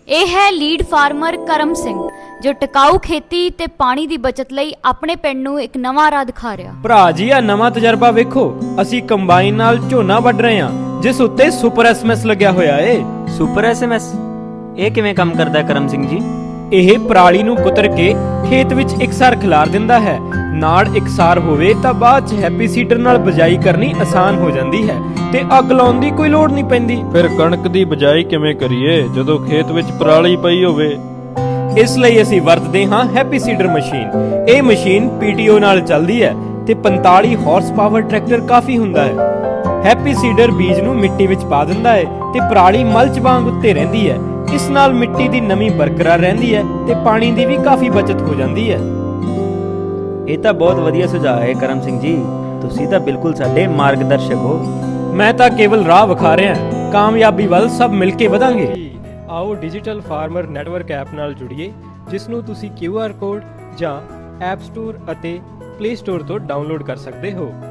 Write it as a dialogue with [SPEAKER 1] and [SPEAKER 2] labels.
[SPEAKER 1] ਇਹ ਹੈ lead farmer ਕਰਮ ਸਿੰਘ ਜੋ ਟਿਕਾਊ ਖੇਤੀ ਤੇ ਪਾਣੀ ਦੀ ਬਚਤ ਲਈ ਆਪਣੇ ਪਿੰਡ ਨੂੰ ਇੱਕ ਨਵਾਂ ਰਾਹ ਦਿਖਾ ਰਿਹਾ।
[SPEAKER 2] ਭਰਾ ਜੀ ਆ ਨਵਾਂ ਤਜਰਬਾ ਵੇਖੋ, ਅਸੀਂ ਕੰਬਾਈਨ ਨਾਲ ਝੋਨਾ ਵੱਢ ਰਹੇ ਹਾਂ ਜਿਸ ਉੱਤੇ ਸੁਪਰ ਐਸਐਮਐਸ ਲੱਗਿਆ ਹੋਇਆ ਏ।
[SPEAKER 3] ਸੁਪਰ ਐਸਐਮਐਸ ਇਹ ਕਿਵੇਂ ਕੰਮ ਕਰਦਾ ਹੈ ਕਰਮ ਸਿੰਘ ਜੀ?
[SPEAKER 2] ਇਹ ਪਰਾਲੀ ਨੂੰ ਕੁਤਰ ਕੇ ਖੇਤ ਵਿੱਚ ਇਕਸਾਰ ਖਿਲਾਰ ਦਿੰਦਾ ਹੈ। ਨਾੜ ਇਕਸਾਰ ਹੋਵੇ ਤਾਂ ਬਾਅਦ ਚ ਹੈਪੀ ਸੀਡਰ ਨਾਲ ਬਿਜਾਈ ਕਰਨੀ ਆਸਾਨ ਹੋ ਜਾਂਦੀ ਹੈ ਤੇ ਅੱਗ ਲਾਉਣ ਦੀ ਕੋਈ ਲੋੜ ਨਹੀਂ ਪੈਂਦੀ।
[SPEAKER 4] ਫਿਰ ਕਣਕ ਦੀ ਬਿਜਾਈ ਕਿਵੇਂ ਕਰੀਏ ਜਦੋਂ ਖੇਤ ਵਿੱਚ ਪਰਾਲੀ ਪਈ ਹੋਵੇ?
[SPEAKER 2] ਇਸ ਲਈ ਅਸੀਂ ਵਰਤਦੇ ਹਾਂ ਹੈਪੀ ਸੀਡਰ ਮਸ਼ੀਨ। ਇਹ ਮਸ਼ੀਨ ਪੀਟੀਓ ਨਾਲ ਚੱਲਦੀ ਹੈ ਤੇ 45 ਹਾਰਸ ਪਾਵਰ ਟਰੈਕਟਰ ਕਾਫੀ ਹੁੰਦਾ ਹੈ। ਹੈਪੀ ਸੀਡਰ ਬੀਜ ਨੂੰ ਮਿੱਟੀ ਵਿੱਚ ਪਾ ਦਿੰਦਾ ਹੈ ਤੇ ਪਰਾਲੀ ਮਲਚ ਵਾਂਗ ਉੱਤੇ ਰਹਿੰਦੀ ਹੈ। ਇਸ ਨਾਲ ਮਿੱਟੀ ਦੀ ਨਮੀ ਬਰਕਰਾਰ ਰਹਿੰਦੀ ਹੈ ਤੇ ਪਾਣੀ ਦੀ ਵੀ ਕਾਫੀ ਬਚਤ ਹੋ ਜਾਂਦੀ ਹੈ।
[SPEAKER 3] ਇਹ ਤਾਂ ਬਹੁਤ ਵਧੀਆ ਸੁਝਾਅ ਹੈ ਕਰਮ ਸਿੰਘ ਜੀ, ਤੁਸੀਂ ਤਾਂ ਬਿਲਕੁਲ ਸਾਡੇ ਮਾਰਗਦਰਸ਼ਕ ਹੋ।
[SPEAKER 2] ਮੈਂ ਤਾਂ ਕੇਵਲ ਰਾਹ ਵਿਖਾ ਰਿਹਾ, ਕਾਮਯਾਬੀ ਵੱਲ ਸਭ ਮਿਲ ਕੇ ਵਧਾਂਗੇ। ਆਓ ਡਿਜੀਟਲ ਫਾਰਮਰ ਨੈਟਵਰਕ ਐਪ ਨਾਲ ਜੁੜੀਏ, ਜਿਸ ਨੂੰ ਤੁਸੀਂ QR ਕੋਡ ਜਾਂ ਐਪ ਸਟੋਰ ਅਤੇ ਪਲੇ ਸਟੋਰ ਤੋਂ ਡਾਊਨਲੋਡ ਕਰ ਸਕਦੇ ਹੋ।